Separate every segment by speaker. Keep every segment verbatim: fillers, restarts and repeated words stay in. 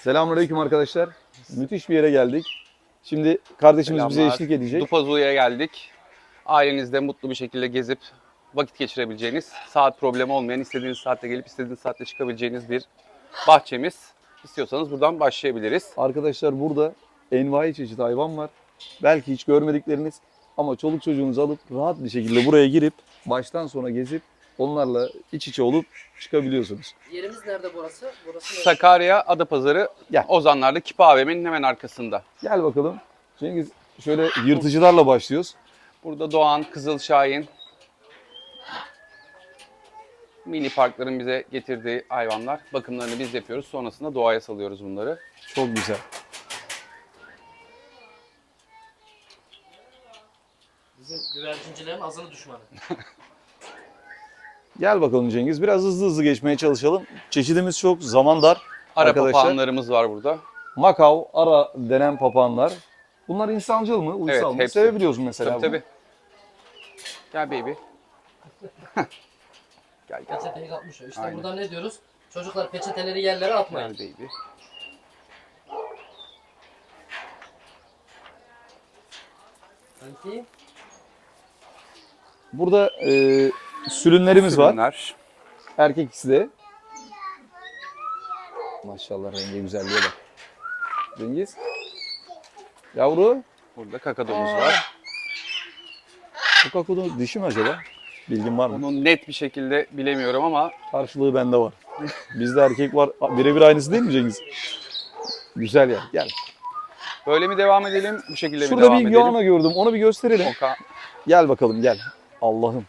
Speaker 1: Selamünaleyküm arkadaşlar. Müthiş bir yere geldik. Şimdi kardeşimiz
Speaker 2: Selamlar.
Speaker 1: bize eşlik edecek.
Speaker 2: Dupazu'ya geldik. Ailenizde mutlu bir şekilde gezip vakit geçirebileceğiniz, saat problemi olmayan, istediğiniz saatte gelip istediğiniz saatte çıkabileceğiniz bir bahçemiz. İstiyorsanız buradan başlayabiliriz.
Speaker 1: Arkadaşlar burada envai çeşit hayvan var. Belki hiç görmedikleriniz ama çoluk çocuğunuzu alıp rahat bir şekilde buraya girip baştan sona gezip onlarla iç içe olup çıkabiliyorsunuz.
Speaker 3: Yerimiz nerede burası? Burası neresi?
Speaker 2: Sakarya Adapazarı,
Speaker 1: Gel.
Speaker 2: Ozanlar'da Kipa A V M'nin hemen arkasında.
Speaker 1: Gel bakalım. Cengiz şöyle yırtıcılarla başlıyoruz.
Speaker 2: Burada Doğan, Kızıl Şahin, mini parkların bize getirdiği hayvanlar. Bakımlarını biz yapıyoruz. Sonrasında doğaya salıyoruz bunları.
Speaker 1: Çok güzel.
Speaker 3: Bizim güvercincilerin azılı düşmanı.
Speaker 1: Gel bakalım Cengiz. Biraz hızlı hızlı geçmeye çalışalım. Çeşidimiz çok, zaman dar.
Speaker 2: Ara
Speaker 1: Arkadaşlar,
Speaker 2: papağanlarımız var burada.
Speaker 1: Makav, ara denen papağanlar. Bunlar insancıl mı, uysal
Speaker 2: Evet,
Speaker 1: mı?
Speaker 2: hepsi.
Speaker 1: Sevebiliyorsun mesela
Speaker 2: Tabii
Speaker 1: bunu.
Speaker 2: tabii. Gel baby. Gel gel.
Speaker 3: Peçeteyi kapmış o. İşte
Speaker 2: Aynen.
Speaker 3: burada ne diyoruz? Çocuklar peçeteleri yerlere atmayın.
Speaker 2: Gel baby.
Speaker 3: Sanki
Speaker 1: Burada e, sülünlerimiz var.
Speaker 2: Sürünler.
Speaker 1: Erkek ikisi de. Maşallah rengi güzelliğe bak. Cengiz. Yavru.
Speaker 2: Burada kakadomuz var.
Speaker 1: Bu kakodun dişi mi acaba? Bilgin var mı?
Speaker 2: Onu net bir şekilde bilemiyorum ama
Speaker 1: Karşılığı bende var. Bizde erkek var. Birebir aynısı değil mi Cengiz? Güzel ya. Gel.
Speaker 2: böyle mi devam edelim? Bu şekilde mi
Speaker 1: Şurada
Speaker 2: devam
Speaker 1: bir
Speaker 2: edelim?
Speaker 1: iguana gördüm. Onu bir gösterelim.
Speaker 2: Oka.
Speaker 1: Gel bakalım gel. Allah'ım.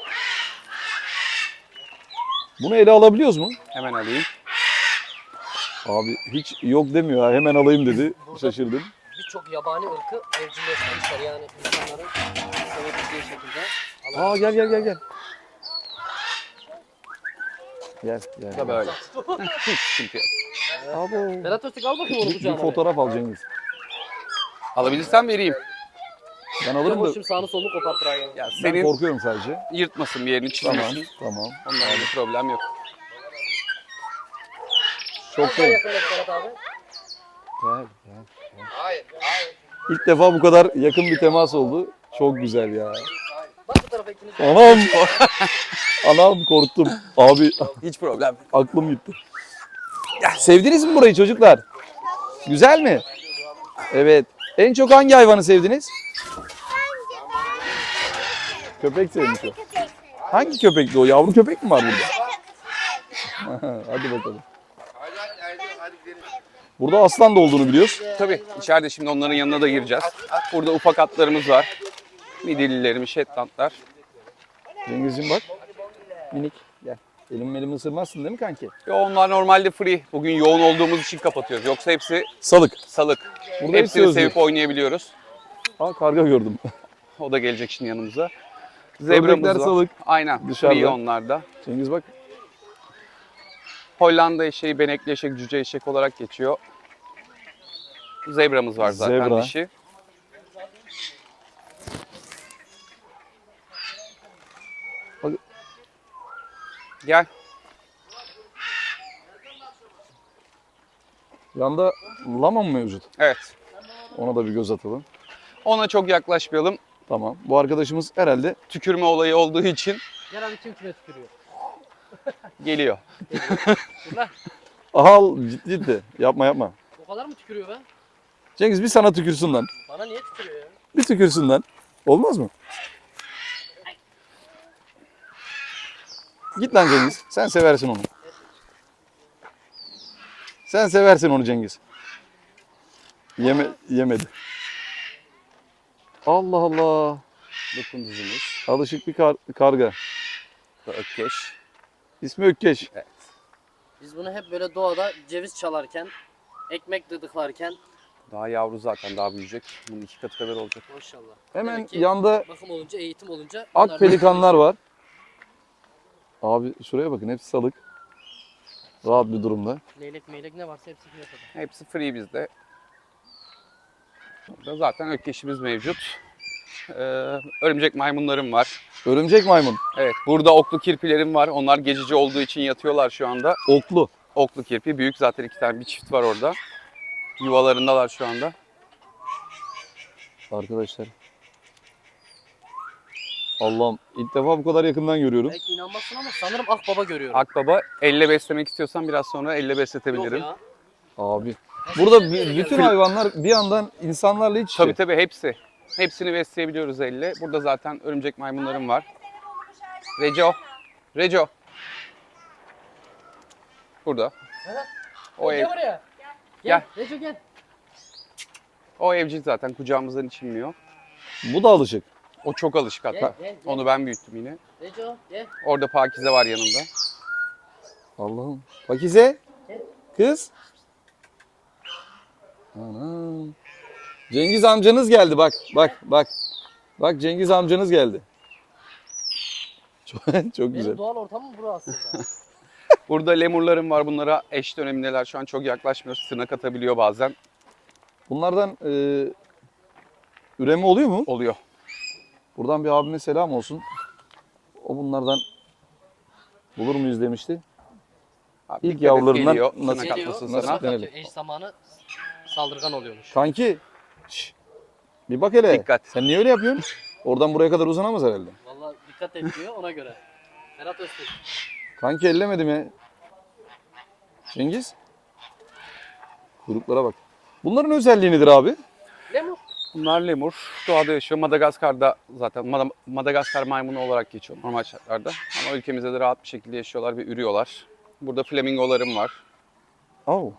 Speaker 1: Bunu ele alabiliyoruz mu?
Speaker 2: Hemen alayım.
Speaker 1: Abi hiç yok demiyor ha. Hemen alayım dedi. Şaşırdım.
Speaker 3: birçok yabani ırkı evcilleştirmişler yani insanların sevebildiği şekilde.
Speaker 1: Aa gel gel gel gel. Gel gel.
Speaker 2: Da böyle. Hiç sıkıntı yok.
Speaker 1: Abi.
Speaker 3: Berat Öztürk al bakayım onu
Speaker 1: Bir, bir
Speaker 3: kucağına.
Speaker 1: fotoğraf al Cengiz.
Speaker 2: Alabilirsem vereyim.
Speaker 1: Ben
Speaker 3: Alırım
Speaker 1: alırım da
Speaker 3: şimdi sağını solunu kopartır hayvanı.
Speaker 2: Ya
Speaker 1: ben
Speaker 2: senin
Speaker 1: korkuyorum sadece.
Speaker 2: yırtmasın bir yerini,
Speaker 1: Tamam
Speaker 2: çizmesin.
Speaker 1: tamam.
Speaker 2: Ondan bir problem yok.
Speaker 1: Çok
Speaker 3: Daha
Speaker 1: şey.
Speaker 3: yakınlaş Berat abi.
Speaker 1: Gel, gel, gel. İlk defa bu kadar yakın bir temas oldu. Çok güzel ya.
Speaker 3: Bak bu tarafa ikiniz de.
Speaker 1: Anam. Anam korktum. Abi
Speaker 2: Hiç problem.
Speaker 1: aklım gitti. Sevdiniz mi burayı çocuklar? Güzel mi? Evet. En çok hangi hayvanı sevdiniz? Köpek sevmiş o. Hangi köpekti o? Yavru köpek mi var burada? Hadi bakalım. Burada aslan da olduğunu biliyoruz.
Speaker 2: Tabii içeride şimdi onların yanına da gireceğiz. Burada ufak atlarımız var. Midillilerimiz, Shetlandlar.
Speaker 1: Cengizciğim bak. Minik. Gel. Elim elimi ısırmazsın değil mi kanki?
Speaker 2: Ve onlar normalde free. Bugün yoğun olduğumuz için kapatıyoruz. Yoksa hepsi
Speaker 1: Salık.
Speaker 2: salık.
Speaker 1: Burada hepsi
Speaker 2: Hepsini
Speaker 1: özgür.
Speaker 2: sevip oynayabiliyoruz.
Speaker 1: Aa karga gördüm.
Speaker 2: O da gelecek şimdi yanımıza.
Speaker 1: Ördekler
Speaker 2: Zebramız var.
Speaker 1: salık.
Speaker 2: Aynen.
Speaker 1: Dışarıda.
Speaker 2: Free onlarda.
Speaker 1: Cengiz bak.
Speaker 2: Hollanda eşeği, benekli eşek, cüce eşek olarak geçiyor. Zebramız var zaten
Speaker 1: Zebra.
Speaker 2: dişi.
Speaker 1: Bak.
Speaker 2: Gel.
Speaker 1: Yanda lama mı mevcut?
Speaker 2: Evet.
Speaker 1: Ona da bir göz atalım.
Speaker 2: Ona çok yaklaşmayalım.
Speaker 1: Tamam. Bu arkadaşımız herhalde
Speaker 2: Tükürme olayı olduğu için
Speaker 3: Gel abi kim kime tükürüyor.
Speaker 2: geliyor.
Speaker 1: al ciddi ciddi. Yapma yapma.
Speaker 3: O kadar mı tükürüyor be?
Speaker 1: Cengiz bir sana tükürsün lan.
Speaker 3: Bana niye tükürüyor ya?
Speaker 1: Bir tükürsün lan. Olmaz mı? Git lan Cengiz. Sen seversin onu. Sen seversin onu Cengiz. Yeme yemedi. Allah Allah.
Speaker 2: Dokunduzumuz.
Speaker 1: Alışık bir kar- karga.
Speaker 2: Bu da Ökkeş.
Speaker 1: İsmi Ökkeş.
Speaker 3: Biz bunu hep böyle doğada ceviz çalarken, ekmek dıdıklarken
Speaker 2: Daha yavru zaten, daha büyüyecek. Bunun iki katı kadar olacak.
Speaker 3: maşallah.
Speaker 1: Hemen
Speaker 3: Demek ki
Speaker 1: yanda
Speaker 3: bakım olunca, eğitim olunca
Speaker 1: ak
Speaker 3: bunlar-
Speaker 1: pelikanlar var. Abi şuraya bakın hepsi salık. Rahat bir durumda.
Speaker 3: Leylek meylek ne varsa hepsi piyasada.
Speaker 2: Hepsi free bizde. Burada zaten ökkeşimiz mevcut. Ee, örümcek maymunlarım var.
Speaker 1: Örümcek maymun.
Speaker 2: Evet, burada oklu kirpilerim var. Onlar gecici olduğu için yatıyorlar şu anda.
Speaker 1: Oklu.
Speaker 2: Oklu kirpi. Büyük zaten iki tane bir çift var orada. Yuvalarındalar şu anda.
Speaker 1: Arkadaşlar. Allah'ım ilk defa bu kadar yakından görüyorum.
Speaker 3: Belki inanmazsın ama sanırım akbaba görüyorum.
Speaker 2: Akbaba elle beslemek istiyorsan biraz sonra elle
Speaker 3: Yok
Speaker 2: besletebilirim.
Speaker 3: ya.
Speaker 1: Abi. Burada b- bütün hayvanlar bir yandan insanlarla iç içe.
Speaker 2: Tabii tabii hepsi. Hepsini besleyebiliyoruz elle. Burada zaten örümcek maymunlarım var. Reco. Reco. Burada.
Speaker 3: Evet.
Speaker 2: O ev,
Speaker 3: Gel buraya.
Speaker 2: Gel.
Speaker 3: Gel. Reco gel.
Speaker 2: o evcil zaten kucağımızdan içilmiyor.
Speaker 1: Bu da alışık.
Speaker 2: O çok alışık
Speaker 3: Gel,
Speaker 2: hatta.
Speaker 3: gel, gel.
Speaker 2: Onu ben büyüttüm yine.
Speaker 3: Reco gel.
Speaker 2: Orada Pakize var yanında.
Speaker 1: Allah'ım. Pakize.
Speaker 3: Gel.
Speaker 1: Kız. Anam. Cengiz amcanız geldi bak. Bak bak. Bak Cengiz amcanız geldi. Çok, çok güzel.
Speaker 3: Benim doğal ortamım burası aslında.
Speaker 2: Burada lemurlarım var. Bunlara eş dönemindeler. Şu an çok yaklaşmıyoruz. Tırnak atabiliyor bazen.
Speaker 1: Bunlardan e, üreme oluyor mu?
Speaker 2: Oluyor.
Speaker 1: Buradan bir abime selam olsun. O bunlardan bulur muyuz demişti.
Speaker 2: Abi,
Speaker 1: İlk
Speaker 2: dikkat et,
Speaker 1: yavrularından
Speaker 2: geliyor.
Speaker 1: nasıl-
Speaker 2: Tırnak
Speaker 3: Geliyor.
Speaker 2: atmasın
Speaker 1: nasıl-
Speaker 2: sana.
Speaker 3: Tırnak
Speaker 1: denelim.
Speaker 3: atıyor. Eş zamanı saldırgan oluyormuş.
Speaker 1: Kanki. şş, bir bak hele.
Speaker 2: Dikkat.
Speaker 1: Sen niye öyle yapıyorsun? Oradan buraya kadar uzanamaz herhalde.
Speaker 3: Vallahi dikkat et diyor ona göre. Ferhat Öztürk.
Speaker 1: Kanki ellemedim ya. Cengiz. Kuyruklara bak. Bunların özelliği nedir abi?
Speaker 3: Lemur.
Speaker 2: Bunlar lemur. Doğada yaşıyor. Madagaskar'da zaten Mada- Madagaskar maymunu olarak geçiyor normal şartlarda. Ama ülkemizde de rahat bir şekilde yaşıyorlar ve ürüyorlar. Burada flamingolarım var.
Speaker 1: Oh.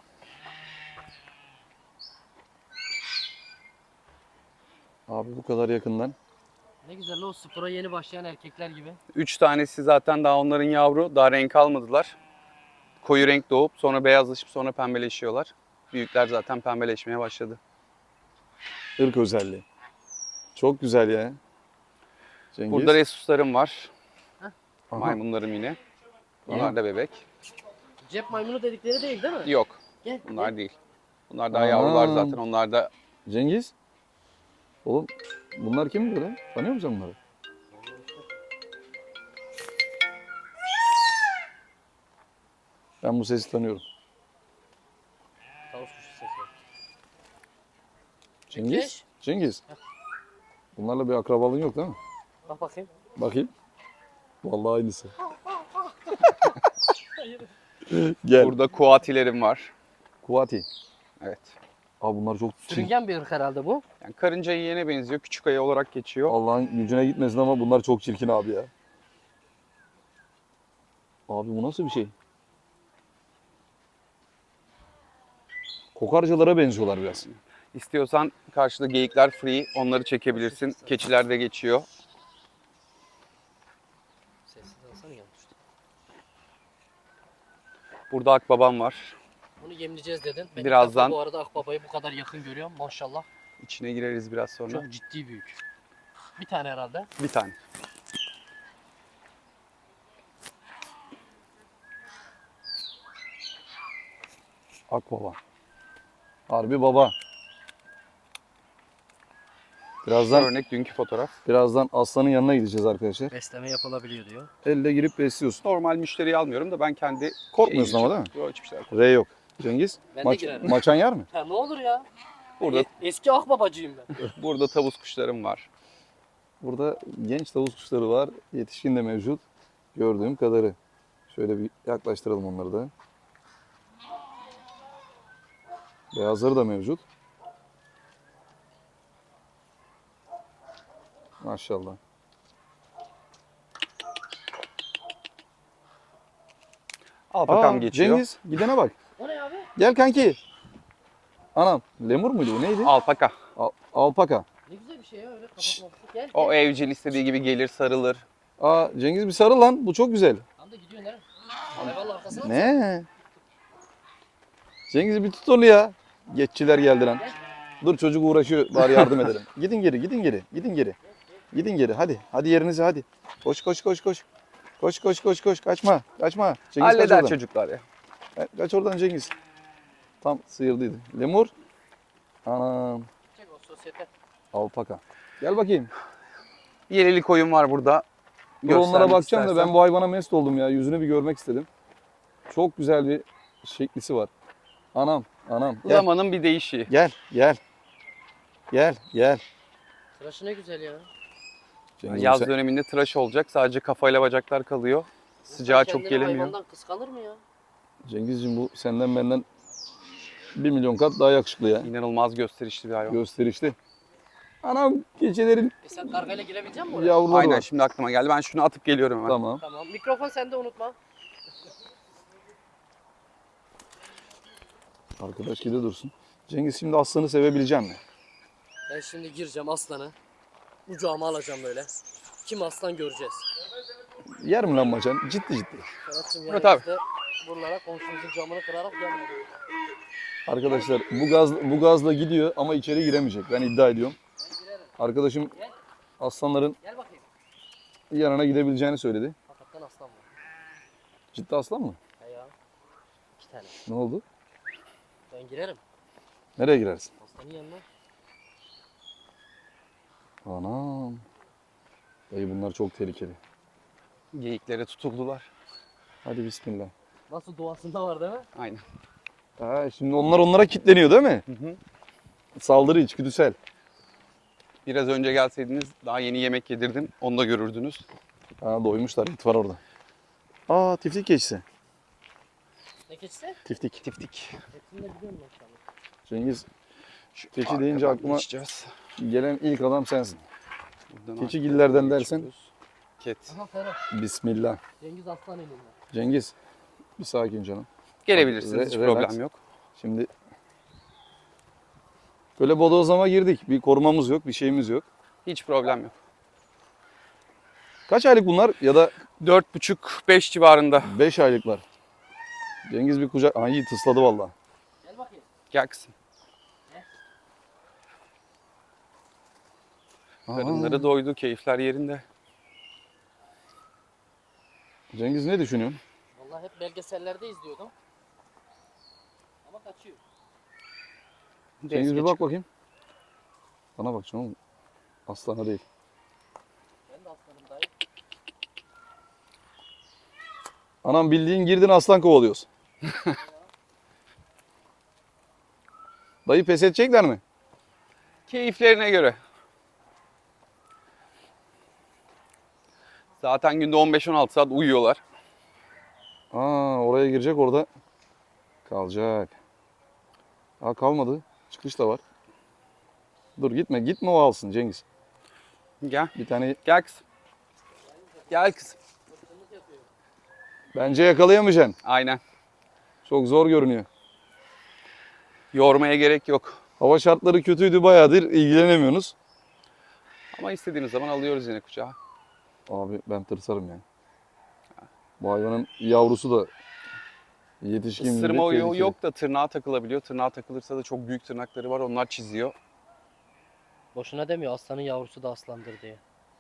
Speaker 1: Abi bu kadar yakından.
Speaker 3: Ne güzel o spora yeni başlayan erkekler gibi.
Speaker 2: Üç tanesi zaten daha onların yavru. Daha renk almadılar. Koyu renk doğup sonra beyazlaşıp sonra pembeleşiyorlar. Büyükler zaten pembeleşmeye başladı.
Speaker 1: Irk özelliği. Çok güzel ya. Cengiz.
Speaker 2: Burada resuslarım var.
Speaker 1: Aha.
Speaker 2: Maymunlarım yine. Bunlar da bebek.
Speaker 3: Cep maymunu dedikleri değil değil mi?
Speaker 2: Yok.
Speaker 3: Gel.
Speaker 2: Bunlar
Speaker 3: gel.
Speaker 2: değil. Bunlar daha yavrular
Speaker 1: Aa.
Speaker 2: zaten. Onlar da
Speaker 1: Cengiz. Oğlum bunlar kim böyle? Tanıyor musun bunları? Ben bu sesi tanıyorum.
Speaker 3: Tavus kuşu sesi.
Speaker 1: Cengiz.
Speaker 3: Ökeş.
Speaker 1: Cengiz. Bunlarla bir akrabalığın yok değil mi?
Speaker 3: Bak bakayım.
Speaker 1: Bakayım. Vallahi aynısı. Gel.
Speaker 2: burada kuatilerim var.
Speaker 1: Kuati.
Speaker 2: Evet.
Speaker 1: Abi bunlar çok çirkin.
Speaker 3: Sürüngen bir ırk herhalde bu.
Speaker 2: Yani karınca yiyene benziyor. Küçük ayı olarak geçiyor.
Speaker 1: Allah'ın gücüne gitmesin ama bunlar çok çirkin abi ya. Abi bu nasıl bir şey? Kokarcalara benziyorlar biraz.
Speaker 2: İstiyorsan karşıda geyikler free. Onları çekebilirsin. Keçiler de geçiyor.
Speaker 3: Sessiz alsana yanlış.
Speaker 2: Burada akbabam var.
Speaker 3: Bunu yemleyeceğiz dedin. Ben ilk
Speaker 2: Birazdan-
Speaker 3: defa bu arada akbabayı bu kadar yakın görüyorum maşallah.
Speaker 2: İçine gireriz biraz sonra.
Speaker 3: Çok ciddi büyük. Bir tane herhalde.
Speaker 2: Bir tane.
Speaker 1: Akbaba. Harbi baba. Birazdan
Speaker 2: Örnek dünkü fotoğraf.
Speaker 1: birazdan aslanın yanına gideceğiz arkadaşlar.
Speaker 3: Besleme yapılabiliyor diyor.
Speaker 1: Elle girip besliyorsun.
Speaker 2: Normal müşteriyi almıyorum da ben kendi...
Speaker 1: Korkmuyorsun
Speaker 2: şeyimi-
Speaker 1: ama değil mi?
Speaker 2: Yok hiçbir şey yok.
Speaker 1: R yok. Cengiz.
Speaker 3: Ben de
Speaker 1: Maç,
Speaker 3: girerim.
Speaker 1: maçan yer mi?
Speaker 3: Ha ne olur ya.
Speaker 2: Burada,
Speaker 3: E- eski akbabacıyım ben.
Speaker 2: burada tavus kuşlarım var.
Speaker 1: Burada genç tavus kuşları var. Yetişkin de mevcut. Gördüğüm kadarı. Şöyle bir yaklaştıralım onları da. Beyazları da mevcut. Maşallah.
Speaker 2: Alpakam
Speaker 1: Aa,
Speaker 2: geçiyor.
Speaker 1: Cengiz gidene bak.
Speaker 3: O ne abi?
Speaker 1: Gel kanki. Anam lemur muydu bu neydi?
Speaker 2: Alpaka.
Speaker 1: Al- alpaka.
Speaker 3: Ne güzel bir şey ya öyle kapatması. Gel.
Speaker 2: O evcil istediği gibi gelir sarılır.
Speaker 1: Aa Cengiz bir sarıl lan. Bu çok güzel.
Speaker 3: Tam da gidiyor nereye? Hayvanla arkasına mı?
Speaker 1: Ne? Cengiz bir tut onu ya. Geççiler geldi lan. Dur çocuk uğraşıyor. Bari yardım edelim. Gidin geri, gidin geri, gidin geri. Gidin geri. Hadi. Hadi yerinize hadi. Koş koş koş koş. Koş koş koş koş. Kaçma. Kaçma. Cengiz kaç
Speaker 2: Halleder
Speaker 1: oradan.
Speaker 2: çocuklar ya.
Speaker 1: Ka- Kaç oradan Cengiz. Tam sıyırdıydı. Lemur. Anam.
Speaker 3: Çek o sosyete.
Speaker 1: Alpaka. Gel bakayım.
Speaker 2: Yeleli koyun var burada.
Speaker 1: Dur onlara
Speaker 2: Göstermek
Speaker 1: bakacağım da
Speaker 2: istersen.
Speaker 1: ben bu hayvana mest oldum ya. Yüzünü bir görmek istedim. Çok güzel bir şeklisi var. Anam, anam. Gel,
Speaker 2: Zamanın bir değişiği.
Speaker 1: gel, gel. Gel, gel.
Speaker 3: Tıraşı ne güzel ya.
Speaker 1: Cengiz,
Speaker 2: Yaz
Speaker 1: sen-
Speaker 2: döneminde tıraş olacak. Sadece kafayla bacaklar kalıyor. Sıcağı
Speaker 3: İnsan
Speaker 2: çok
Speaker 3: kendini
Speaker 2: gelemiyor.
Speaker 3: hayvandan kıskanır mı ya?
Speaker 1: Cengizciğim bu senden benden bir milyon kat daha yakışıklı ya.
Speaker 2: İnanılmaz gösterişli bir hayvan.
Speaker 1: Gösterişli. Anam keçilerin
Speaker 3: E sen kargayla girebilecek misin oraya?
Speaker 1: yavruları
Speaker 2: Aynen
Speaker 1: var.
Speaker 2: şimdi aklıma geldi. Ben şunu atıp geliyorum hemen.
Speaker 1: Tamam.
Speaker 3: Tamam. Mikrofon sende, unutma.
Speaker 1: Arkadaş gide dursun. Cengiz şimdi aslanı sevebileceğim mi?
Speaker 3: Ben şimdi gireceğim aslanı. Kucağıma alacağım böyle. Kim aslan göreceğiz.
Speaker 1: Yer mi lan maçan? Ciddi ciddi.
Speaker 3: Ferhat'cığım
Speaker 2: Murat
Speaker 3: yani
Speaker 2: abi.
Speaker 3: işte buralara komşumuzun camını kırarak gelmedi.
Speaker 1: Arkadaşlar bu gaz bu gazla gidiyor ama içeri giremeyecek. Ben iddia ediyorum. Arkadaşım aslanların
Speaker 3: Gel bakayım.
Speaker 1: yanına gidebileceğini söyledi.
Speaker 3: Hakikaten aslan var.
Speaker 1: Ciddi aslan mı?
Speaker 3: He ya. İki tane.
Speaker 1: Ne oldu?
Speaker 3: Ben girerim.
Speaker 1: Nereye girersin?
Speaker 3: Aslanın yanına.
Speaker 1: Anam. Dayı bunlar çok tehlikeli.
Speaker 2: Geyiklere tutuldular.
Speaker 1: Hadi bismillah.
Speaker 3: Nasıl doğasında var değil mi?
Speaker 2: Aynen.
Speaker 1: Ha, şimdi onlar onlara kilitleniyor değil mi?
Speaker 2: Hı hı.
Speaker 1: Saldırı içgüdüsel.
Speaker 2: Biraz önce gelseydiniz daha yeni yemek yedirdim. Onu da görürdünüz.
Speaker 1: Ha, doymuşlar. İt var orada. Aa, tiftik keçisi.
Speaker 3: Ne keçisi?
Speaker 1: Tiftik.
Speaker 2: Tiftik.
Speaker 3: Hepsini de biliyorum maşallah.
Speaker 1: Cengiz,
Speaker 2: Şu
Speaker 1: keçi deyince
Speaker 2: arkadan
Speaker 1: aklıma
Speaker 2: geçeceğiz.
Speaker 1: gelen ilk adam sensin.
Speaker 2: Buradan
Speaker 1: Keçigillerden
Speaker 2: arkadan
Speaker 1: dersen?
Speaker 2: geçiyoruz. Ket.
Speaker 3: Aha Ferhat.
Speaker 1: Bismillah.
Speaker 3: Cengiz aslan elinde.
Speaker 1: Cengiz, bir sakin canım.
Speaker 2: Gelebilirsiniz. Hiç
Speaker 1: Re- relax.
Speaker 2: problem yok.
Speaker 1: Şimdi böyle bodozlama girdik. Bir korumamız yok, bir şeyimiz yok.
Speaker 2: Hiç problem yok.
Speaker 1: Kaç aylık bunlar ya da
Speaker 2: dört buçuk beş civarında.
Speaker 1: beş aylıklar? Cengiz bir kucak... Ay iyi tısladı valla.
Speaker 3: Gel bakayım.
Speaker 2: Gel kızım.
Speaker 1: Aa,
Speaker 2: Karınları doydu. Keyifler yerinde.
Speaker 1: Cengiz ne düşünüyorsun?
Speaker 3: Vallahi hep belgesellerde izliyordum. Ama kaçıyor.
Speaker 1: Cengiz bir
Speaker 2: Geç.
Speaker 1: bak bakayım. Bana bak canım. Aslana değil.
Speaker 3: Ben de aslanım dayı.
Speaker 1: Anam bildiğin girdin aslan kovalıyoruz. Dayı pes edecekler mi?
Speaker 2: Keyiflerine göre. Zaten günde on beş on altı saat uyuyorlar.
Speaker 1: Aa, oraya girecek orada kalacak. Aa, kalmadı. Çıkış da var. Dur gitme. Gitme o alsın Cengiz.
Speaker 2: Gel.
Speaker 1: Bir tane
Speaker 2: Gel kızım. Gel kızım.
Speaker 1: bence yakalayamayacaksın.
Speaker 2: Aynen.
Speaker 1: Çok zor görünüyor.
Speaker 2: Yormaya gerek yok.
Speaker 1: Hava şartları kötüydü bayağıdır ilgilenemiyorsunuz.
Speaker 2: Ama istediğiniz zaman alıyoruz yine kucağa.
Speaker 1: Abi ben tırsarım yani. Bu hayvanın yavrusu da yetişkin gibi
Speaker 2: Isırma oyu
Speaker 1: tehlikeli.
Speaker 2: yok da tırnağa takılabiliyor. Tırnağa takılırsa da çok büyük tırnakları var. Onlar çiziyor.
Speaker 3: Boşuna demiyor aslanın yavrusu da aslandır diye.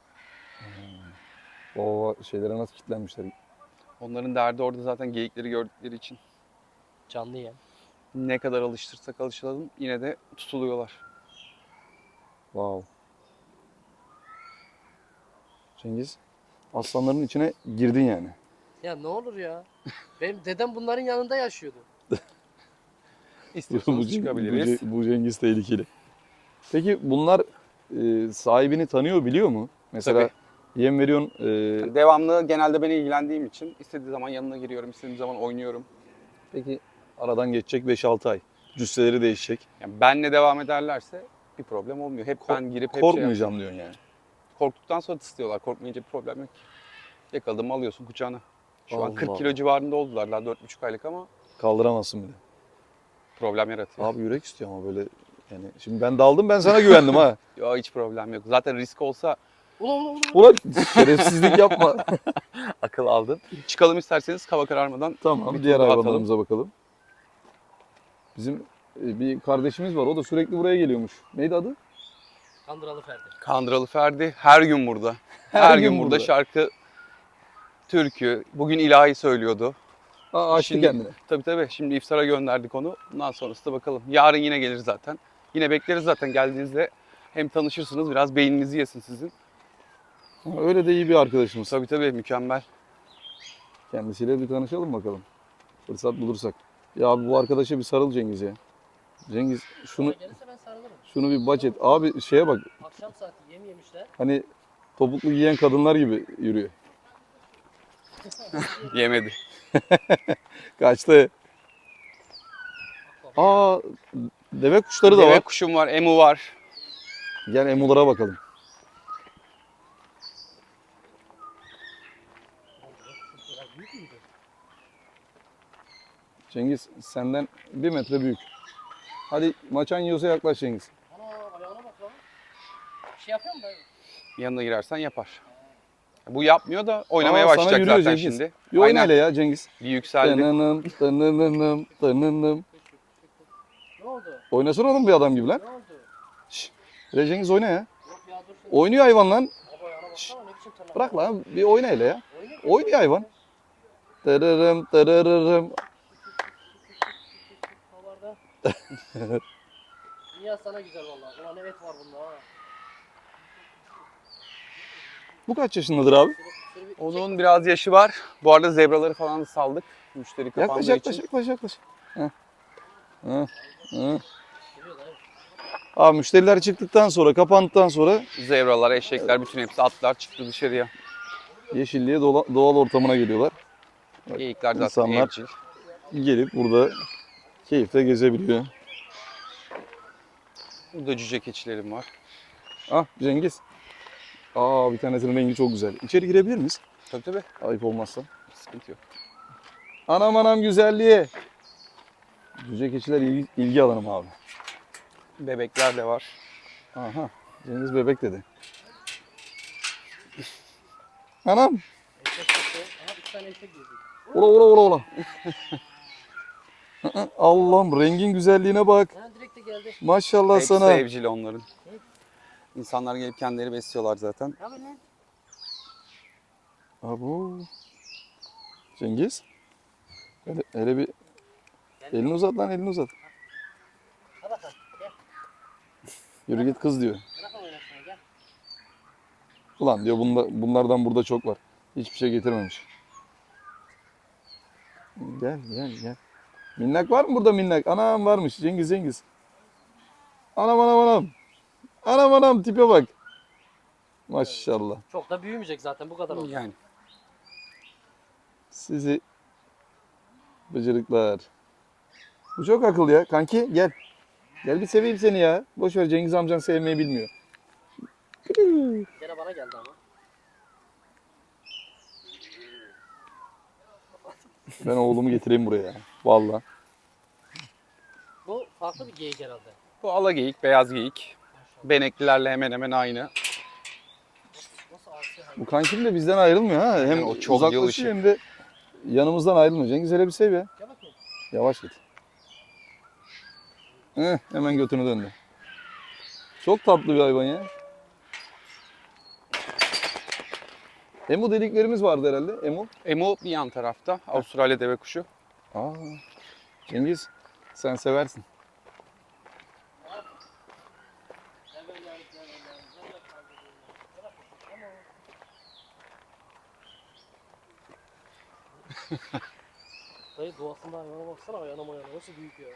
Speaker 1: O şeylere nasıl kilitlenmişler.
Speaker 2: Onların derdi orada zaten geyikleri gördükleri için.
Speaker 3: Canlı yem.
Speaker 2: Ne kadar alıştırsak alıştıralım yine de tutuluyorlar.
Speaker 1: Wow. Cengiz, aslanların içine girdin yani.
Speaker 3: Ya ne olur ya. Benim dedem bunların yanında yaşıyordu.
Speaker 2: İstiyorsanız
Speaker 1: bu,
Speaker 2: çıkabiliriz.
Speaker 1: bu, bu Cengiz tehlikeli. Peki bunlar e, sahibini tanıyor, biliyor mu? Mesela yem veriyorsun. e,
Speaker 2: Yani devamlı genelde ben ilgilendiğim için istediği zaman yanına giriyorum, istediğim zaman oynuyorum.
Speaker 1: peki aradan geçecek beş altı ay. Cüsseleri değişecek.
Speaker 2: Yani benle devam ederlerse bir problem olmuyor. Hep ben girip hep şey
Speaker 1: Korkmayacağım diyorsun yani.
Speaker 2: yapıyorum. Korktuktan sonra tıslıyorlar. Korkmayınca bir problem yok ki. Yakaladım mı alıyorsun kucağına. Şu
Speaker 1: Allah
Speaker 2: an kırk
Speaker 1: Allah.
Speaker 2: kilo civarında oldular. Daha dört buçuk aylık ama
Speaker 1: Kaldıramazsın bir de.
Speaker 2: problem yaratıyor.
Speaker 1: Abi yürek istiyor ama böyle yani. Şimdi ben daldım, ben sana güvendim ha.
Speaker 2: Yok hiç problem yok. Zaten risk olsa
Speaker 3: Ulan ulan ulan.
Speaker 1: Ulan şerefsizlik yapma.
Speaker 2: akıl aldın. Çıkalım isterseniz hava kararmadan.
Speaker 1: Tamam,
Speaker 2: Bir
Speaker 1: diğer
Speaker 2: tur daha
Speaker 1: hayvanlarımıza bakalım. Bizim e, bir kardeşimiz var, o da sürekli buraya geliyormuş. Neydi adı?
Speaker 3: Kandıralı Ferdi.
Speaker 2: Kandıralı Ferdi her gün burada. Her,
Speaker 1: Her
Speaker 2: gün,
Speaker 1: gün
Speaker 2: burada.
Speaker 1: burada.
Speaker 2: Şarkı, türkü. Bugün ilahi söylüyordu.
Speaker 1: Aa, açtı
Speaker 2: Şimdi-
Speaker 1: kendini.
Speaker 2: Tabii tabii. Şimdi iftara gönderdik onu. Bundan sonrası da bakalım. Yarın yine gelir zaten. Yine bekleriz zaten geldiğinizde. Hem tanışırsınız, biraz beyninizi yesin sizin.
Speaker 1: Ha, öyle de iyi bir arkadaşımız.
Speaker 2: Tabii tabii mükemmel.
Speaker 1: Kendisiyle bir tanışalım bakalım. Fırsat bulursak. Ya abi bu arkadaşa bir sarıl Cengiz ya. Cengiz şunu
Speaker 3: Bana gelirse ben sarılırım.
Speaker 1: şunu bir bac et. Abi şeye bak.
Speaker 3: Akşam saati yem yemişler.
Speaker 1: Hani topuklu giyen kadınlar gibi yürüyor.
Speaker 2: Yemedi.
Speaker 1: Kaçtı. Aa, deve kuşları da
Speaker 2: Deve
Speaker 1: var.
Speaker 2: kuşum var, emu var.
Speaker 1: Gel emulara bakalım.
Speaker 3: Büyük müydü?
Speaker 1: Cengiz senden bir metre büyük. Hadi maçan yiyorsa yaklaş Cengiz.
Speaker 3: Ana ayağına bak lan. Bir şey yapıyor mu dayı?
Speaker 2: Yanına girersen yapar. Bu yapmıyor da oynamaya
Speaker 1: Aa, sana
Speaker 2: başlayacak
Speaker 1: yürüyor
Speaker 2: zaten
Speaker 1: Cengiz.
Speaker 2: şimdi.
Speaker 1: Bir oyna
Speaker 2: Aynen.
Speaker 1: hele ya Cengiz.
Speaker 2: Bir yükseldi.
Speaker 1: Tınınım, tınınım, tınınım.
Speaker 3: Ne oldu?
Speaker 1: Oynasana oğlum bir adam gibi lan.
Speaker 3: Ne oldu?
Speaker 1: Hele Cengiz oyna ya.
Speaker 3: Yok ya dur sen.
Speaker 1: Oynuyor hayvan lan.
Speaker 3: Baba ayağına baksana ne biçim tırnak.
Speaker 1: Bırak lan bir oyna hele ya.
Speaker 3: Oynuyor.
Speaker 1: Oynuyor hayvan. Tırırım tırırırım.
Speaker 3: Havarda. Dünya sana güzel vallahi. Ulan evet var bunda ha.
Speaker 1: Bu kaç yaşındadır abi?
Speaker 3: Şöyle bir
Speaker 2: Onun biraz yaşı var. Bu arada zebraları falan da saldık. Müşteri
Speaker 1: Yaklaş
Speaker 2: kapandığı
Speaker 1: yaklaş
Speaker 2: için.
Speaker 1: yaklaş yaklaş. Heh. Heh. Heh.
Speaker 3: geliyor dayı.
Speaker 1: Abi müşteriler çıktıktan sonra kapandıktan sonra
Speaker 2: Zebralar, eşekler bütün hepsi atlar çıktı dışarıya.
Speaker 1: yeşilliğe dola- doğal ortamına geliyorlar.
Speaker 2: Geyikler zaten
Speaker 1: insanlar-
Speaker 2: evcil.
Speaker 1: Gelip burada keyifle gezebiliyor.
Speaker 2: Burada cüce keçilerim var.
Speaker 1: Ah Cengiz. Aa bir tanesinin rengi çok güzel. İçeri girebilir miyiz?
Speaker 2: Tabii tabii.
Speaker 1: Ayıp olmazsa.
Speaker 2: Sıkıntı yok.
Speaker 1: Anam anam güzelliği. Cüce keçiler ilgi, ilgi alanım abi.
Speaker 2: Bebekler de var.
Speaker 1: Aha. Cengiz bebek dedi. Anam.
Speaker 3: Eşek çıktı. Aha bir tane eşek girdi.
Speaker 1: Ola ola ola ola. Allah'ım rengin güzelliğine bak.
Speaker 3: Ha direkt de geldi.
Speaker 1: Maşallah
Speaker 2: Hepsi
Speaker 1: sana.
Speaker 2: evcil onların. İnsanlar gelip kendileri besliyorlar zaten.
Speaker 3: Ne yapıyorsun lan?
Speaker 1: Abo. Cengiz. Hele, hele bir elini uzat lan elini uzat.
Speaker 3: Hadi bakalım gel.
Speaker 1: Yürü git kız diyor.
Speaker 3: Bırak onu oynasana gel.
Speaker 1: Ulan diyor bunda, bunlardan burada çok var. Hiçbir şey getirmemiş. Gel gel gel. Minnak var mı burada minnak? Anam varmış. Cengiz Cengiz. Anam anam anam. Anam anam tipe bak. Maşallah.
Speaker 3: Çok da büyümeyecek zaten bu kadar oldu.
Speaker 2: Yani
Speaker 1: Sizi bıcırıklar. Bu çok akıllı ya. Kanki gel. Gel bir seveyim seni ya. Boş ver Cengiz amcan sevmeyi bilmiyor.
Speaker 3: Gene bana geldi ama.
Speaker 1: Ben oğlumu getireyim buraya ya. Vallahi.
Speaker 3: Bu farklı bir geyik herhalde.
Speaker 2: bu ala geyik, beyaz geyik. Beneklilerle hemen hemen aynı.
Speaker 3: Nasıl asi hayvan?
Speaker 1: Bu kankim de bizden ayrılmıyor ha. Hem
Speaker 2: Yani o çok
Speaker 1: uzaklaşıyor
Speaker 2: yılışık.
Speaker 1: hem de yanımızdan ayrılmıyor. Cengiz hele bir sev ya.
Speaker 3: Gel bakayım.
Speaker 1: Yavaş git. Heh, hemen götünü döndü. Çok tatlı bir hayvan ya. Emu deliklerimiz vardı herhalde. Emu.
Speaker 2: Emu bir yan tarafta. Avustralya deve kuşu.
Speaker 1: Aa, Cengiz sen seversin.
Speaker 3: Gel böyle gel gel gel. Gel gel kaldırayım. Gel bakayım. Tamam. Dayı doğasında hayvana baksana ayağına mayana nasıl büyük ya.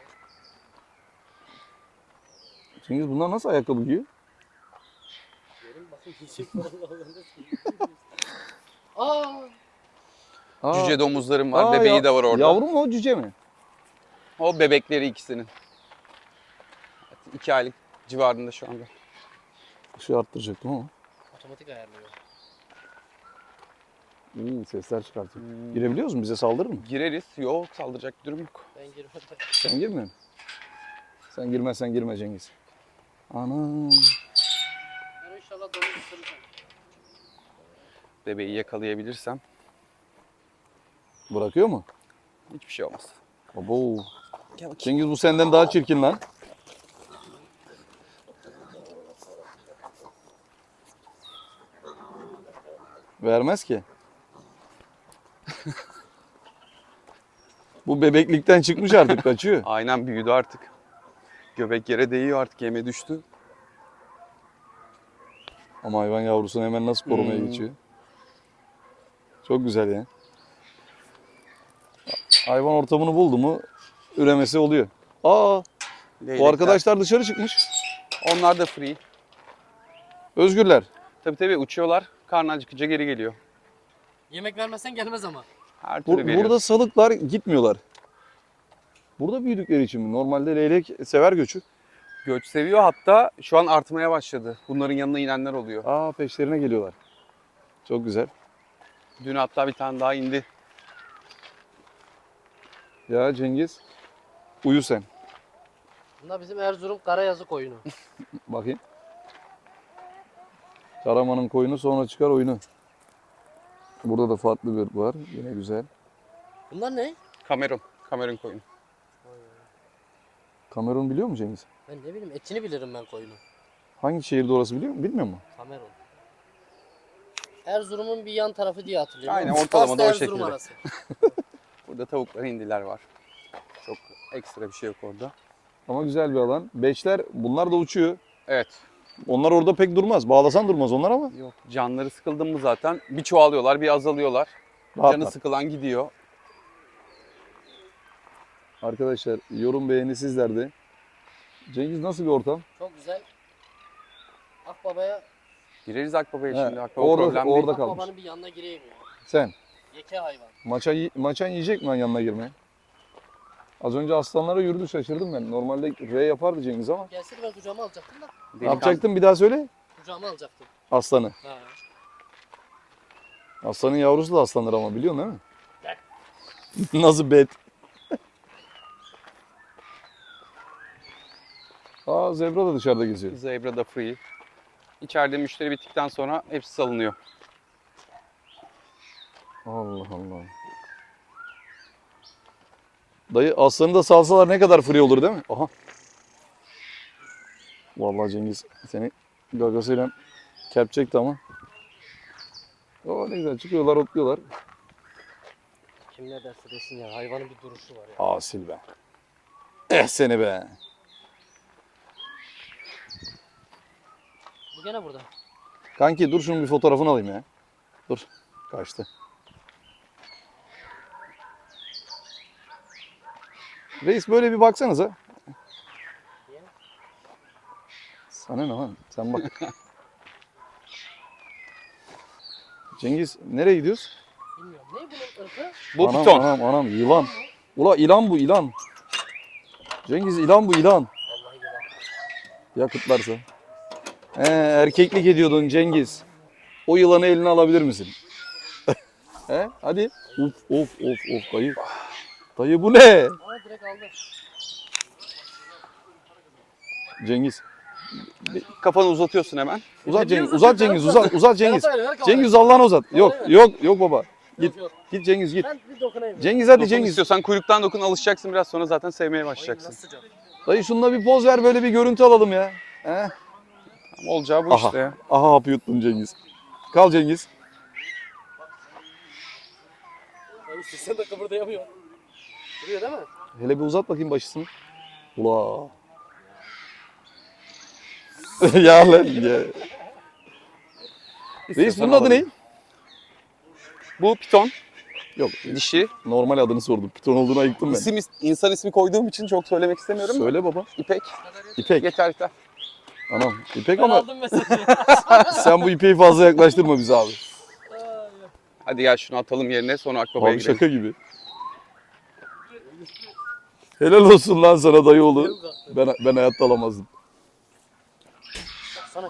Speaker 1: Cengiz bunlar nasıl ayakkabı giyiyor?
Speaker 3: Görün bakın yiyecek falan nasıl büyük. Aa!
Speaker 1: Aa,
Speaker 2: Cüce domuzlarım var.
Speaker 1: aa,
Speaker 2: Bebeği
Speaker 1: ya-
Speaker 2: de var orada.
Speaker 1: Yavru mu o cüce mi?
Speaker 2: O bebekleri ikisinin. İki aylık civarında şu anda.
Speaker 1: Işığı arttıracaktım ama.
Speaker 3: Otomatik ayarlıyor.
Speaker 1: İyi sesler çıkartıyor.
Speaker 2: Hmm.
Speaker 1: Girebiliyoruz mu? Bize saldırır mı?
Speaker 2: Gireriz. Yok, saldıracak bir durum yok.
Speaker 3: Ben girmedim.
Speaker 1: Sen girmiyor musun? Sen girmezsen girme Cengiz. Ana.
Speaker 3: Ben inşallah domuz ısıracağım.
Speaker 2: Bebeği yakalayabilirsem
Speaker 1: Bırakıyor mu?
Speaker 2: hiçbir şey olmaz.
Speaker 1: Abo.
Speaker 2: Gel bakayım.
Speaker 1: Cengiz bu senden daha çirkin lan. Vermez ki. Bu bebeklikten çıkmış artık kaçıyor.
Speaker 2: Aynen büyüdü artık. Göbek yere değiyor artık. Yeme düştü.
Speaker 1: Ama hayvan yavrusunu hemen nasıl korumaya
Speaker 2: Hmm.
Speaker 1: geçiyor. Çok güzel ya. Hayvan ortamını buldu mu üremesi oluyor. Aa, bu
Speaker 2: Leylekler.
Speaker 1: arkadaşlar dışarı çıkmış.
Speaker 2: Onlar da free.
Speaker 1: Özgürler.
Speaker 2: Tabii tabii uçuyorlar. Karnı acıkınca geri geliyor.
Speaker 3: Yemek vermezsen gelmez ama.
Speaker 2: Her türlü
Speaker 1: Bur-
Speaker 2: veriyoruz.
Speaker 1: burada salıklar gitmiyorlar. Burada büyüdükleri için mi? Normalde leylek sever göçü.
Speaker 2: Göç seviyor, hatta şu an artmaya başladı. Bunların yanına inenler oluyor.
Speaker 1: Aa, peşlerine geliyorlar. Çok güzel.
Speaker 2: Dün hatta bir tane daha indi.
Speaker 1: Ya Cengiz, uyu sen.
Speaker 3: Bunlar bizim Erzurum Karayazı koyunu.
Speaker 1: Bakayım. Karaman'ın koyunu sonra çıkar oyunu. Burada da farklı bir var. Yine güzel.
Speaker 3: Bunlar ne?
Speaker 2: Kamerun. Kamerun koyunu.
Speaker 1: Kamerun biliyor musun Cengiz?
Speaker 3: Ben ne bileyim etini bilirim ben koyunu.
Speaker 1: Hangi şehirde orası biliyor musun? Bilmiyor musun?
Speaker 3: Kamerun. Erzurum'un bir yan tarafı diye hatırlıyorum.
Speaker 2: Aynen,
Speaker 3: Ama
Speaker 2: ortalamada
Speaker 3: aslı
Speaker 2: o
Speaker 3: Erzurum
Speaker 2: şekilde.
Speaker 3: arası.
Speaker 2: Burada tavuklar, hindiler var. Çok ekstra bir şey yok orada.
Speaker 1: Ama güzel bir alan. Beşler bunlar da uçuyor.
Speaker 2: Evet.
Speaker 1: Onlar orada pek durmaz. Bağlasan durmaz onlar ama.
Speaker 2: Yok. Canları sıkıldı mı zaten bir çoğalıyorlar, bir azalıyorlar.
Speaker 1: Rahatlar.
Speaker 2: Canı sıkılan gidiyor.
Speaker 1: Arkadaşlar yorum beğeni sizlerde. Cengiz nasıl bir ortam?
Speaker 3: Çok güzel. Akbaba'ya
Speaker 2: Gireriz Akbaba'ya
Speaker 1: He,
Speaker 2: şimdi. Akbaba
Speaker 1: orada-
Speaker 2: problem
Speaker 1: orada-
Speaker 2: değil.
Speaker 1: kalmış.
Speaker 3: Akbaba'nın bir yanına gireyim ya.
Speaker 1: Sen.
Speaker 3: Yeke hayvan.
Speaker 1: Maça, maçan yiyecek mi lan yanına girmeye? Az önce aslanlara yürüdü, şaşırdım ben. Normalde R yapardı Cengiz ama.
Speaker 3: Gelseydi ben kucağıma alacaktım da.
Speaker 1: Ne
Speaker 2: Delikanlı.
Speaker 1: yapacaktın bir daha söyle.
Speaker 3: Kucağıma alacaktım.
Speaker 1: Aslanı.
Speaker 3: Ha.
Speaker 1: Aslanın yavrusu da aslanır ama biliyorsun değil mi? Nasıl bet? Aa, zebra da dışarıda geziyor.
Speaker 2: Zebra da free. İçeride müşteri bittikten sonra hepsi salınıyor.
Speaker 1: Allah Allah. Dayı aslanı da salsalar ne kadar free olur değil mi? Aha. Vallahi Cengiz seni gagasıyla kepçekti ama. O ne güzel çıkıyorlar, otluyorlar.
Speaker 3: Kim ne derse desin ya. Hayvanın bir duruşu var ya.
Speaker 1: Asil be. Eh seni be.
Speaker 3: Bu gene burada.
Speaker 1: Kanki dur şunun bir fotoğrafını alayım ya. Dur. Kaçtı. Reis böyle bir baksanıza. Sana ne lan? Sen bak. Cengiz nereye gidiyoruz?
Speaker 3: Bilmiyorum. Ne bunun ırkı?
Speaker 2: Bu
Speaker 1: anam,
Speaker 2: piton.
Speaker 1: Anam anam yılan. Ula ilan bu ilan. Cengiz ilan bu ilan.
Speaker 3: Vallahi yılan.
Speaker 1: Yakıtlarsa. He, erkeklik ediyordun Cengiz. O yılanı eline alabilir misin? He, hadi. Of of of of dayı. Dayı bu ne?
Speaker 3: Aa direkt aldı.
Speaker 1: Cengiz.
Speaker 2: Kafanı uzatıyorsun hemen.
Speaker 1: Uzat
Speaker 3: Ne
Speaker 1: Cengiz,
Speaker 3: diyorsun
Speaker 1: uzat
Speaker 3: sen?
Speaker 1: Cengiz, uzat, uzat Cengiz.
Speaker 3: Ferhat abi, ver kamerayı.
Speaker 1: Cengiz Allah'ını uzat. Yok,
Speaker 3: Kamerayı ver.
Speaker 1: yok, yok baba. Git,
Speaker 3: Yok, yok.
Speaker 1: git Cengiz git.
Speaker 3: Ben bir dokunayım.
Speaker 1: Cengiz hadi
Speaker 2: Dokun
Speaker 1: Cengiz.
Speaker 2: istiyorsan kuyruktan dokun, alışacaksın biraz sonra zaten sevmeye
Speaker 3: Ay,
Speaker 2: başlayacaksın.
Speaker 3: nasıl sıcak.
Speaker 1: Dayı şununla bir poz ver böyle bir görüntü alalım ya. He?
Speaker 2: Ama olacağı bu
Speaker 1: Aha,
Speaker 2: işte ya.
Speaker 1: aha hapı yuttun Cengiz. Kal Cengiz.
Speaker 3: Ya işte sen de kıpırdayamıyorsun. Duruyor değil mi?
Speaker 1: Hele bir uzat bakayım başısını. Ula. ya lan ya. Reis
Speaker 2: İstiyorsan
Speaker 1: bunun adı ne?
Speaker 2: alalım. Bu piton.
Speaker 1: Yok,
Speaker 2: Dişi.
Speaker 1: normal adını sordum. Piton olduğunu ayıktım ben.
Speaker 2: İsim, insan ismi koyduğum için çok söylemek istemiyorum. da.
Speaker 1: Söyle baba.
Speaker 2: İpek.
Speaker 1: İpek.
Speaker 2: Yeter yeter.
Speaker 1: Anam İpek
Speaker 3: Ben
Speaker 1: ama
Speaker 3: aldım mesajı.
Speaker 1: sen bu ipeği fazla yaklaştırma bize abi.
Speaker 2: Hadi gel şunu atalım yerine, sonra Akbaba'ya
Speaker 1: Abi
Speaker 2: gidelim.
Speaker 1: şaka gibi. Helal olsun lan sana dayıoğlu. Ben ben hayatta alamazdım.
Speaker 3: Baksana ya.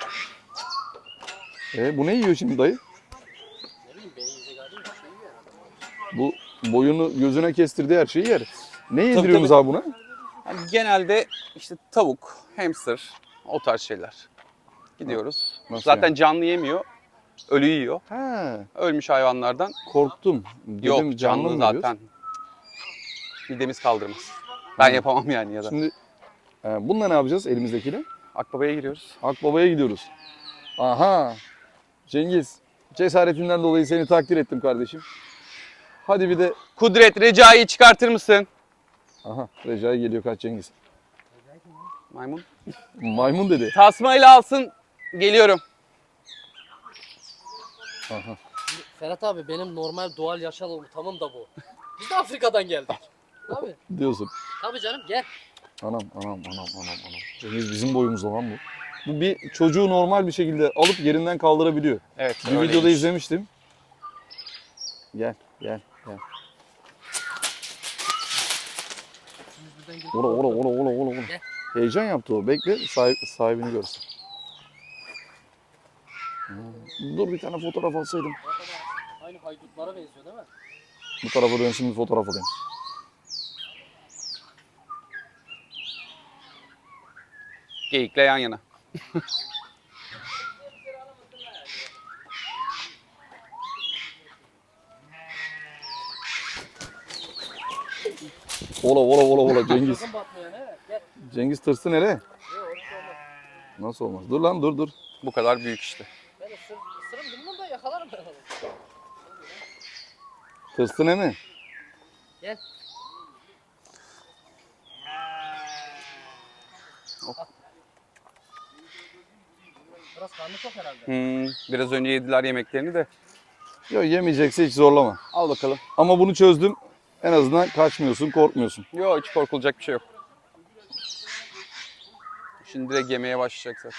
Speaker 1: E bu ne yiyor şimdi dayı?
Speaker 3: Ne bileyim beni yiyecek hali yok. Şey yiyor herhalde.
Speaker 1: Bu boyunu gözüne kestirdiği her şeyi yer. Ne yediriyorsunuz abi buna?
Speaker 2: Yani genelde işte tavuk, hamster, o tarz şeyler. Gidiyoruz.
Speaker 1: Nasıl
Speaker 2: Zaten
Speaker 1: yani?
Speaker 2: canlı yemiyor. Ölü yiyor.
Speaker 1: Ha,
Speaker 2: Ölmüş hayvanlardan.
Speaker 1: korktum. Dedim,
Speaker 2: Yok canlı,
Speaker 1: mı yiyoruz?
Speaker 2: zaten. Midemiz kaldırmaz. Ben
Speaker 1: Hı.
Speaker 2: yapamam yani ya da.
Speaker 1: Şimdi e, bununla ne yapacağız elimizdekiyle?
Speaker 2: Akbaba'ya giriyoruz.
Speaker 1: Akbaba'ya gidiyoruz. Aha. Cengiz, cesaretinden dolayı seni takdir ettim kardeşim. Hadi bir de...
Speaker 2: Kudret, Recai'yi çıkartır mısın?
Speaker 1: Aha, Recai geliyor, kaç Cengiz.
Speaker 2: Maymun.
Speaker 1: Maymun dedi.
Speaker 2: Tasmayla alsın. Geliyorum.
Speaker 1: Aha.
Speaker 3: Ferhat abi benim normal doğal yaşam ortamım da bu. Biz de Afrika'dan geldik. Tabii.
Speaker 1: diyorsun.
Speaker 3: Tabii canım gel.
Speaker 1: Anam anam anam anam anam. Cengiz bizim boyumuzda lan bu. Bu bir çocuğu normal bir şekilde alıp yerinden kaldırabiliyor.
Speaker 2: Evet.
Speaker 1: Bir videoda
Speaker 2: öyleymiş.
Speaker 1: izlemiştim. Gel gel gel.
Speaker 3: Şimdi buradan gidip
Speaker 1: Ora ora ora ora ora ora.
Speaker 3: Gel.
Speaker 1: Heyecan yaptı o. Bekle sahip, sahibini görsün. Hmm. Dur bir tane fotoğraf alsaydım.
Speaker 3: Aynı haydutlara benziyor değil mi?
Speaker 1: Bu tarafa dönsün bir fotoğraf alayım.
Speaker 2: Geyikle yan yana.
Speaker 1: Ola ola ola ola Cengiz.
Speaker 3: Sakın batmıyor ne? Gel.
Speaker 1: Cengiz tırsı nereye?
Speaker 3: Yok orası olmaz.
Speaker 1: Nasıl olmaz? Dur lan dur dur.
Speaker 2: Bu kadar büyük işte.
Speaker 3: Ben ısır, ısırım bilmem da yakalarım ben onu.
Speaker 1: Tırsı ne mi?
Speaker 3: Gel. Biraz karnı çok herhalde.
Speaker 2: Hmm, biraz önce yediler yemeklerini de.
Speaker 1: Yok yemeyecekse hiç zorlama.
Speaker 2: Al bakalım.
Speaker 1: Ama bunu çözdüm. En azından kaçmıyorsun, korkmuyorsun.
Speaker 2: Yok hiç korkulacak bir şey yok. Şimdi direkt yemeye başlayacak zaten.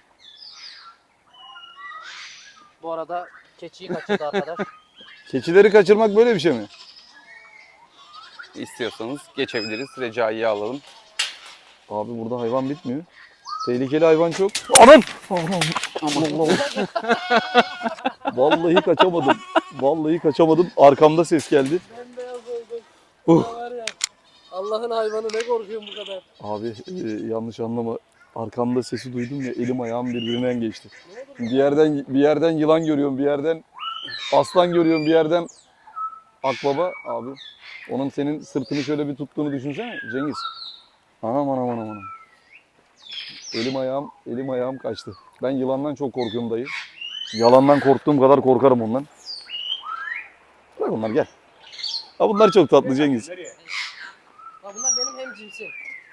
Speaker 3: Bu arada keçiyi kaçırdı arkadaş.
Speaker 1: Keçileri kaçırmak böyle bir şey mi?
Speaker 2: İstiyorsanız geçebiliriz. Recai'yi alalım.
Speaker 1: Abi burada hayvan bitmiyor. Tehlikeli hayvan çok. Anam! Aman Allah. Vallahi kaçamadım. Vallahi kaçamadım. Arkamda ses geldi.
Speaker 3: Bembeyaz oldum.
Speaker 1: Uh.
Speaker 3: Var ya. Allah'ın hayvanı ne korkuyorum bu kadar.
Speaker 1: Abi e, yanlış anlama. Arkamda sesi duydum ya elim ayağım birbirinden geçti. Bir yerden bir yerden yılan görüyorum, bir yerden aslan görüyorum, bir yerden akbaba abi. Onun senin sırtını şöyle bir tuttuğunu düşünsene Cengiz. Anam anam anam anam. Elim ayağım, elim ayağım kaçtı. Ben yılandan çok korkuyorum dayı. Yalandan korktuğum kadar korkarım ondan. Bırak onlar gel. Ha bunlar çok tatlı Cengiz.
Speaker 3: Ha bunlar benim hem cinsim.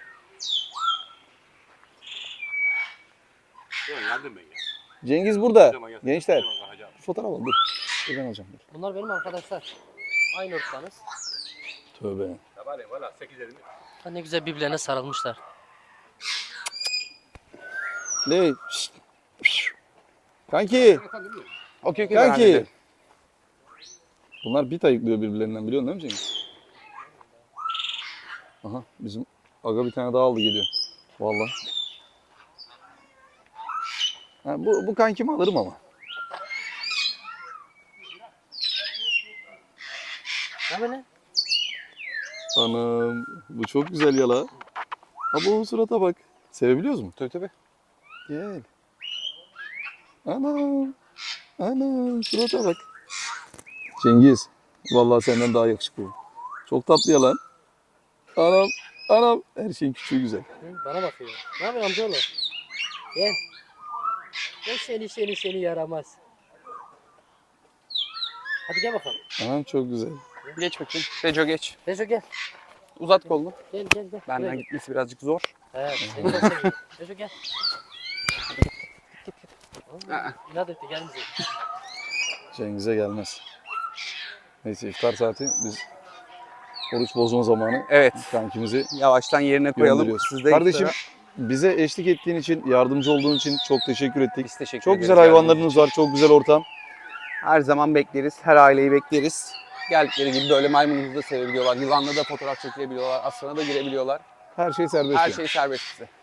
Speaker 1: Cengiz burada. Gençler. Fotoğraf al dur. Dur ben alacağım. Dur.
Speaker 3: Bunlar benim arkadaşlar. Aynı ırktanız.
Speaker 1: Tövbe.
Speaker 3: Ha ne güzel birbirlerine sarılmışlar.
Speaker 1: Ne? Şşt. Kanki.
Speaker 2: Okey okey.
Speaker 1: Kanki. Bunlar bit ayıklıyor birbirlerinden biliyorsun değil mi Cengiz? Aha bizim aga bir tane daha aldı geliyor. Vallahi. Ha, bu, bu kankimi alırım ama.
Speaker 3: Ne böyle?
Speaker 1: Anam bu çok güzel yala. Ha bu surata bak. Sevebiliyoruz mu?
Speaker 2: Tabii tabii.
Speaker 1: Gel. Anam. Anam surata bak. Cengiz. Vallahi senden daha yakışıklı. Çok tatlı yalan. Anam. Anam. Her şeyin küçüğü güzel.
Speaker 3: Hı, bana bakıyor. Ne yapıyorsun amcaoğlu? Gel. Gel seni seni seni yaramaz. Hadi gel bakalım.
Speaker 1: Anam çok güzel.
Speaker 2: Geç bakayım. Reco geç.
Speaker 3: Rezo gel.
Speaker 2: Uzat kolunu.
Speaker 3: Gel gel gel.
Speaker 2: Benden
Speaker 3: Buraya gel.
Speaker 2: gitmesi birazcık zor.
Speaker 3: Evet seni çok seviyorum. Rezo gel.
Speaker 2: Aa.
Speaker 3: İnat etti gelmeyecek.
Speaker 1: Cengiz'e gelmez. Neyse iftar saati biz oruç bozma zamanı
Speaker 2: Evet.
Speaker 1: kankimizi
Speaker 2: Yavaştan yerine koyalım.
Speaker 1: gönderiyoruz.
Speaker 2: Siz de
Speaker 1: Kardeşim
Speaker 2: iftara-
Speaker 1: bize eşlik ettiğin için, yardımcı olduğun için çok teşekkür ettik.
Speaker 2: biz teşekkür
Speaker 1: Çok
Speaker 2: ederiz
Speaker 1: güzel
Speaker 2: geldiğiniz
Speaker 1: hayvanlarınız
Speaker 2: için.
Speaker 1: var, çok güzel ortam.
Speaker 2: Her zaman bekleriz. Her aileyi bekleriz. Geldikleri gibi böyle maymunumuzu da sevebiliyorlar. Yılanla da fotoğraf çekilebiliyorlar. Aslana da girebiliyorlar.
Speaker 1: Her şey serbest.
Speaker 2: Her
Speaker 1: yani.
Speaker 2: şey serbest size.